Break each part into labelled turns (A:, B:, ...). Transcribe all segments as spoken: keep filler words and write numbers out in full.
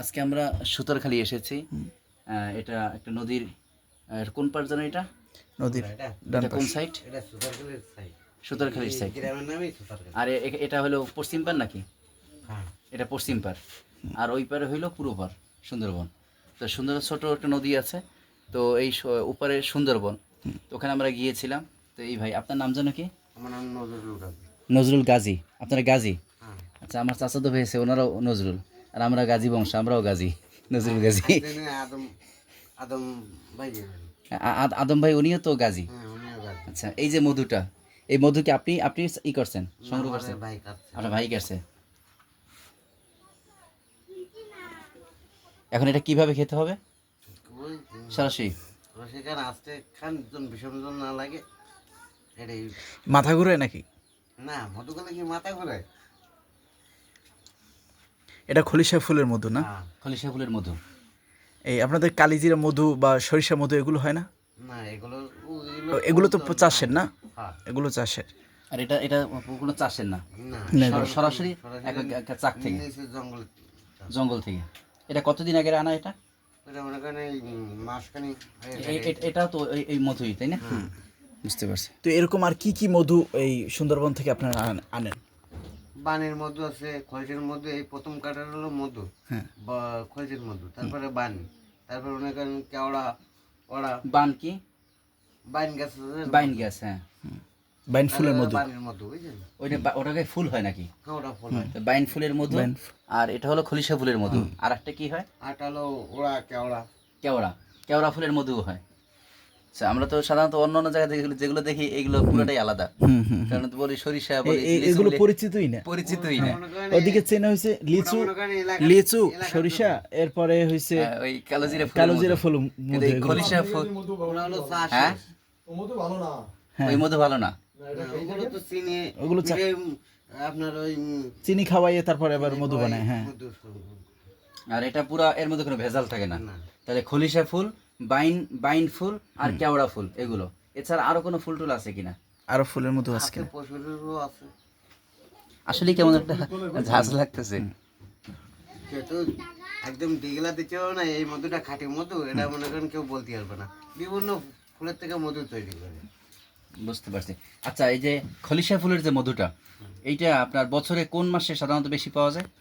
A: আজকে আমরা সুতারখালি এসেছি। এটা একটা নদীর কোন পার জানো এটা?
B: নদীর
A: এটা কোন সাইড?
C: এটা সুতারখালির সাইড।
A: সুতারখালির সাইড।
C: গ্রামের নামই সুতারখালি।
A: আর এ- এটা হলো পশ্চিম পার নাকি?
C: হ্যাঁ।
A: এটা পশ্চিম পার, আর ওই পারে হইলো পূর্ব পার, সুন্দরবন। তো সুন্দর ছোট একটা নদী আছে, তো এই স- ওপারে সুন্দরবন। তো ওখানে আমরা গিয়েছিলাম। তো এই ভাই আপনার নাম জানো কি?
C: আমার নাম নজরুল গাজী।
A: নজরুল গাজী। আপনারা গাজী?
C: হ্যাঁ।
A: আচ্ছা, আমার চাচাতো ভাই আছে, ওনারাও নজরুল, আর আমরা গাজী বংশ, আমরাও গাজী, নজরুল গাজী।
C: এখানে আদম আদম ভাই যাবেন।
A: আ- আ- আদম ভাই উনিও তো গাজী।
C: হ্যাঁ, উনিও গাজী।
A: আচ্ছা, এই যে মধুটা, এই মধুকে আপনি আপনি ই করছেন, সংগ্রহ করছেন?
C: আমাদের ভাই কাটছে।
A: আপনার ভাই কাছে। এখন এটা কিভাবে খেতে হবে?
C: ওই
A: সরাসরি?
C: ওই সেখানে আসতে খান জন বিষম জন না লাগে এটাই।
B: মাথা ঘুরে নাকি?
C: না, মধুখালে কি মাথা ঘুরে?
B: এটা খলিশা ফুলের মধু না?
C: হ্যাঁ।
A: খলিশা ফুলের মধু।
B: এই আপনাদের কালিজিরা মধু বা সরিষা মধু এগুলো হয় না?
C: না, এগুলো
B: ও, এগুলো তো চাষের না?
C: হ্যাঁ।
B: এগুলো চাষের।
A: আর এটা এটা কোনো চাষের না,
C: না,
B: না,
A: সর- সরাসরি এক- এক- এক চাক থেকে,
C: নিচে জঙ্গল।
A: জঙ্গল থেকে। এটা কতদিন আগে আনা এটা?
C: এটা মনে করেন এই মাসখানি
A: এ- এ- এটাও তো এই- এই মধুই, তাই না? বুঝতে পারছি।
B: তো এরকম আর কি কি মধু এই সুন্দরবন থেকে আপনারা আন- আনেন?
C: বানের মধু আছে, খলসের মধু। এই প্রথম কাটার হলো মধু
B: হ্যাঁ।
C: বা খলসের মধু, তারপরে বানি, তারপরে মনে করেন কেওড়া, ওড়া,
A: বান কি?
C: বাইন গাছ আছে,
A: বাইন গ্যাস, হ্যাঁ।
B: বাইন ফুলের মধু।
C: বানের মধু, বুঝছেন?
A: ওইটা বা- ওটাকে ফুল হয় নাকি?
C: হ্যাঁ, ওটা ফুল হয়।
A: তো বাইন ফুলের মধু।
B: বাইন
A: আর এটা হলো খলিশা ফুলের মধু। আর একটা কি হয়?
C: আটা হলো ওড়া, কেওড়া।
A: কেওড়া। কেওড়া ফুলের মধু হয়। আচ্ছা, আমরা তো সাধারণত অন্য অন্য জায়গা থেকে যেগুলো দেখি এগুলো পুরোটাই আলাদা।
B: হুম হুম।
A: কারণ তো বলি সরিষা,
B: এ-
A: বলি
B: এ-
A: লিচু
B: এগুলো
A: বলি,
B: পরিচিতই না।
A: পরিচিতই না।
C: মনে করেন
B: ওদিকে চেনা হয়েছে লিচু,
C: মনে করেন এলাকা-
B: লিচু,
C: এলাকার
B: সরিষা, এরপরে হয়েছে
A: হ্যাঁ, ওই কালোজিরা ফুলের
B: কালোজিরা
A: মধু।
B: ফুল
A: কিন্তু
B: মধু
A: এই
B: এগুলো।
A: খলিশা ফুল,
C: ওরা হলো চাষ।
A: হ্যাঁ,
B: হ্যাঁ।
A: ওই মধু ভালো না।
C: না, ওগুলো তো চিনি,
B: ওগুলো চা-
C: মিঠে, আপনার ওই উম,
B: চিনি খাওয়াইয়ে তারপরে আবার মধু বানায়। হ্যাঁ।
C: মধু।
A: আর এটা পুরা এর মধ্যে কোনো ভেজাল থাকে না।
C: না।
A: তাহলে খলিশা ফুল, বাইন বাইন ফুল আর কেওড়া ফুল, এগুলো এছাড়া আরো কোনো ফুল টুল আছে কিনা?
B: আরো ফুলের মধু আছে
C: আছে,
B: কিনা?
C: পশুরও আছে।
A: আসলে কেমন একটা ঝাঁজ লাগতেছে।
C: যেহেতু একদম দিগলা দিচ্ছেও না, এই মধুটা খাঁটি মধু, এটা মনে করেন কেউ বলতে পারবে না। বিভিন্ন ফুলের থেকে মধু তৈরি করে।
A: বুঝতে পারছি। আচ্ছা, এই যে খলিশা ফুলের যে মধুটা, এইটা আপনার বছরে কোন মাসে সাধারণত বেশি পাওয়া যায়?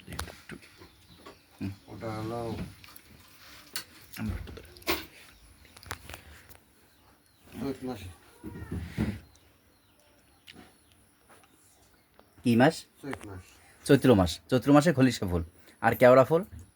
C: ওটা হলো চৈত মাসে।
A: কি মাস?
C: চৈত মাস।
A: চৈত্র মাস। চৈত্র মাসে খলিশা ফুল। আর কেওড়া ফুল?